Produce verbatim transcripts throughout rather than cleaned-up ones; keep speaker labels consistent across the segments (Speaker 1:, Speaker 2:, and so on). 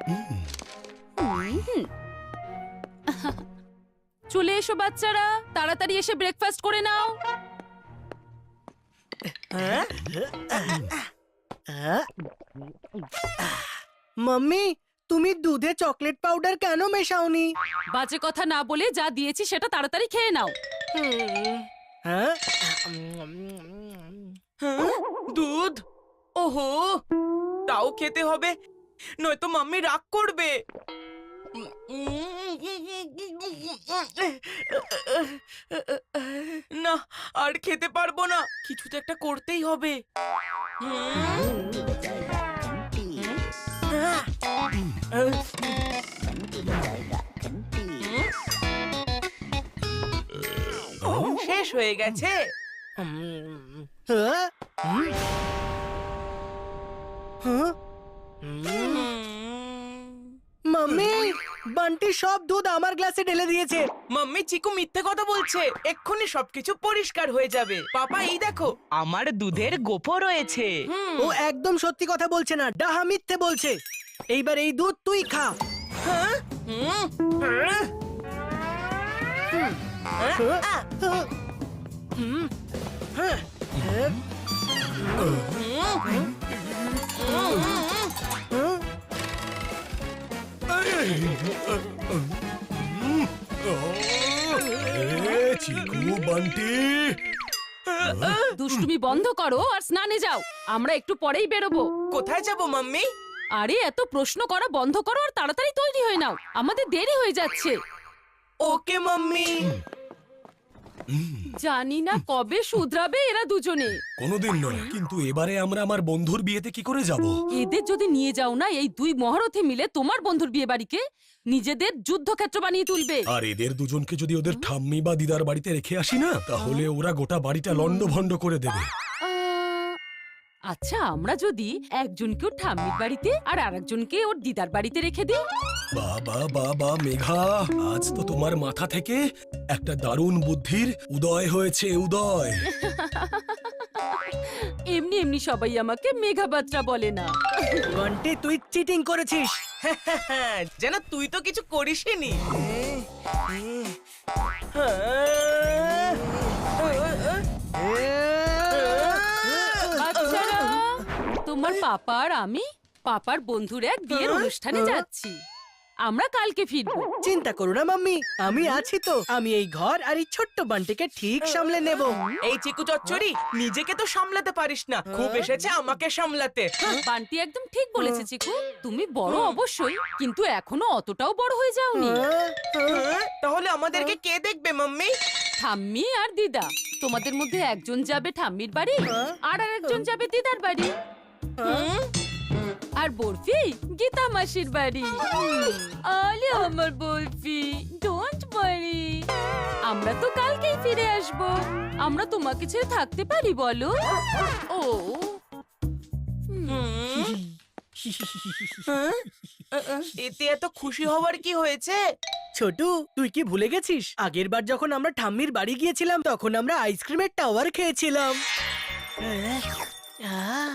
Speaker 1: চলে এসো বাচ্চারা, তাড়াতাড়ি এসে ব্রেকফাস্ট করে নাও।
Speaker 2: মাম্মি, তুমি দুধে চকলেট পাউডার কেন মেশাওনি?
Speaker 1: বাজে কথা না বলে যা দিয়েছি সেটা তাড়াতাড়ি খেয়ে নাও।
Speaker 2: হ্যাঁ,
Speaker 3: দুধ? ওহো, তাও খেতে হবে, নয়তো মাম্মি রাগ করবে। না, আর খেতে পারবো না, কিছু তো একটা করতেই হবে। শেষ হয়ে গেছে।
Speaker 2: হ্যাঁ? হ্যাঁ? মাম্মি, বান্টি সব দুধ আমার গ্লাসে ঢেলে দিয়েছে।
Speaker 3: মাম্মি, চিকু মিথ্যে কথা বলছে, এক্ষুনি সবকিছু পরিষ্কার হয়ে যাবে। পাপা, এই দেখো, আমার দুধের গোফ রয়েছে।
Speaker 2: ও একদম সত্যি কথা বলছে না, ডাহা মিথ্যে বলছে। এইবার এই দুধ তুই খা।
Speaker 3: হ্যাঁ? হুম। হ্যাঁ?
Speaker 2: হ্যাঁ? হ্যাঁ? হুম, হ্যাঁ, হ্যাঁ, হ্যাঁ।
Speaker 4: চিকু, বান্টি,
Speaker 1: দুষ্টুমি বন্ধ করো আর স্নানে যাও, আমরা একটু পরেই বেরোবো।
Speaker 3: কোথায় যাব মাম্মি?
Speaker 1: আরে এত প্রশ্ন করা বন্ধ করো আর তাড়াতাড়ি তৈরি হয়ে নাও, আমাদের দেরি হয়ে যাচ্ছে।
Speaker 3: Okay mummy.
Speaker 1: জানি না কবে শুধরাবে এরা দুজনে।
Speaker 4: কোনোদিন নয়, কিন্তু এবারে আমরা আমার বন্ধুর বিয়েতে কি করে যাব?
Speaker 1: এদের যদি নিয়ে যাও না, এই দুই মহারথী মিলে তোমার বন্ধুর বিয়ে বাড়িকে নিজেদের যুদ্ধক্ষেত্র বানিয়ে তুলবে।
Speaker 4: আর এদের দুজনকে যদি ওদের ঠাম্মি বা দিদার বাড়িতে রেখে আসি না, তাহলে ওরা গোটা বাড়িটা লন্ডভন্ড করে দেবে।
Speaker 1: আহ, আচ্ছা, আমরা যদি একজনকে ওর ঠাম্মির বাড়িতে আর আরেকজনকে ওর দিদার বাড়িতে রেখে দিই?
Speaker 4: বাবা বাবা মেঘা, আজ তো তোমার মাথা থেকে একটা দারুণ বুদ্ধির উদয় হয়েছে, উদয়।
Speaker 1: এমনি এমনি সবাই আমাকে মেঘাবাত্রা বলে না।
Speaker 2: বান্টি, তুই চিটিং করেছিস।
Speaker 3: যেন তুই তো কিছু করিসনি।
Speaker 1: বাচ্চারা, তোমার পাপা আর আমি পাপার বন্ধুর এক বিয়ের অনুষ্ঠানে যাচ্ছি। আমরা কালকে ফিরবো।
Speaker 2: চিন্তা করো না মাম্মি, আমি আছি তো। আমি এই ঘর আর এই ছোট্ট বান্টিকে ঠিক সামলে নেব।
Speaker 3: এই চিকু চচ্চড়ি, নিজেকে তো সামলাতে পারিস না, খুব এসেছে আমাকে সামলাতে।
Speaker 1: বান্টি একদম ঠিক বলেছে চিকু, তুমি বড় অবশ্যই, কিন্তু এখনো অতটাও বড় হয়ে যাওনি।
Speaker 3: হ্যাঁ? তাহলে আমাদেরকে কে দেখবে মাম্মি?
Speaker 1: ঠাম্মি আর দিদা, তোমাদের মধ্যে একজন যাবে ঠাম্মির বাড়ি আর আরেকজন যাবে দিদার বাড়ি। আর বরফি গীতা মাসির বাড়ি। আলে আমার বরফি, ডোন্ট ওয়ারি, আমরা তো কালকেই ফিরে আসব। আমরা তোমাকে ছেড়ে থাকতে পারি বলো? ও
Speaker 3: এতে এত খুশি হওয়ার কি হয়েছে?
Speaker 2: ছোটু, তুই কি ভুলে গেছিস? আগের বার যখন আমরা ঠাম্মির বাড়ি গিয়েছিলাম, তখন আমরা আইসক্রিমের টাওয়ার খেয়েছিলাম।
Speaker 3: হ্যাঁ।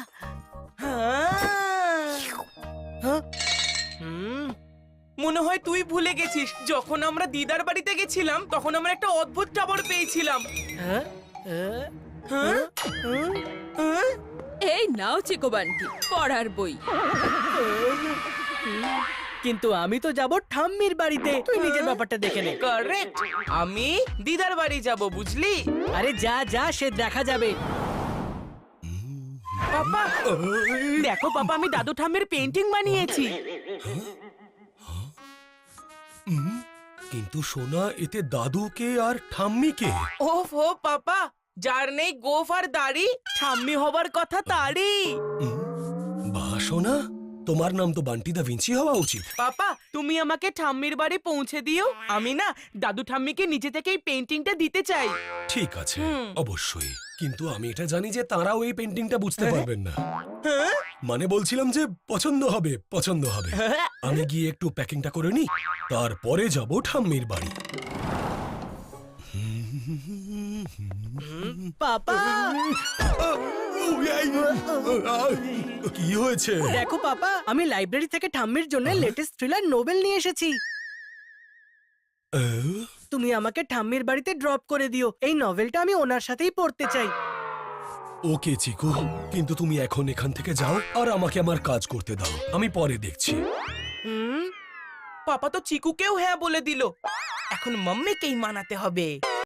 Speaker 2: হ্যাঁ? হুম,
Speaker 3: মনে হয় তুই ভুলে গেছিস, যখন আমরা দিদার বাড়িতে গেছিলাম তখন আমরা একটা অদ্ভুত টাওয়ার পেয়েছিলাম।
Speaker 2: হ্যাঁ, হ্যাঁ,
Speaker 3: হ্যাঁ?
Speaker 2: হ্যাঁ।
Speaker 3: হ্যাঁ?
Speaker 1: এই নাও চিকু বান্টি, পড়ার বই।
Speaker 2: কিন্তু আমি তো যাব ঠাম্মির বাড়িতে। তুই নিজের ব্যাপারটা দেখে নে।
Speaker 3: কারেক্ট, আমি দিদার বাড়ি যাব, বুঝলি?
Speaker 2: আরে যা যা, সে দেখা যাবে।
Speaker 3: পাপা দেখো, পাপা আমি দাদু ঠাম্মির পেন্টিং বানিয়েছি।
Speaker 4: কিন্তু সোনা, এতে দাদুকে আর ঠাম্মিকে।
Speaker 3: ওফ ও পাপা, যার নেই গোফ আর দাড়ি, ঠাম্মি হবার কথা তারই।
Speaker 4: বাহ সোনা, তোমার নাম তো বান্টি দা ভিঞ্চি হওয়া উচিত।
Speaker 3: পাপা, তুমি আমাকে ঠাম্মির বাড়ি পৌঁছে দিও, আমি না দাদু ঠাম্মিকে নিজে থেকে এই পেন্টিংটা দিতে চাই।
Speaker 4: ঠিক আছে,
Speaker 3: হুম।
Speaker 4: অবশ্যই, কিন্তু আমি এটা জানি যে তারাও এই পেন্টিংটা বুঝতে পারবেন না।
Speaker 3: হ্যাঁ?
Speaker 4: মানে বলছিলাম যে পছন্দ হবে, পছন্দ হবে। আমি গিয়ে একটু প্যাকিংটা করে নি, তারপরে যাব ঠাম্মির বাড়ি।
Speaker 2: পাপা,
Speaker 4: এই, আহ, কি হয়েছে?
Speaker 2: দেখো পাপা, আমি লাইব্রেরি থেকে ঠাম্মির জন্য লেটেস্ট থ্রিলার নোবেল নিয়ে এসেছি।
Speaker 4: আহ,
Speaker 2: তুমি আমাকে ঠাম্মির বাড়িতে ড্রপ করে দিও, এই নভেলটা আমি ওনার সাথেই পড়তে চাই।
Speaker 4: ওকে চিকু, কিন্তু তুমি এখন এখান থেকে যাও আর আমাকে আমার কাজ করতে দাও, আমি পরে দেখছি।
Speaker 2: হুম,
Speaker 3: পাপা তো চিকুকেও হ্যাঁ বলে দিল, এখন মাম্মিকেই মানাতে হবে।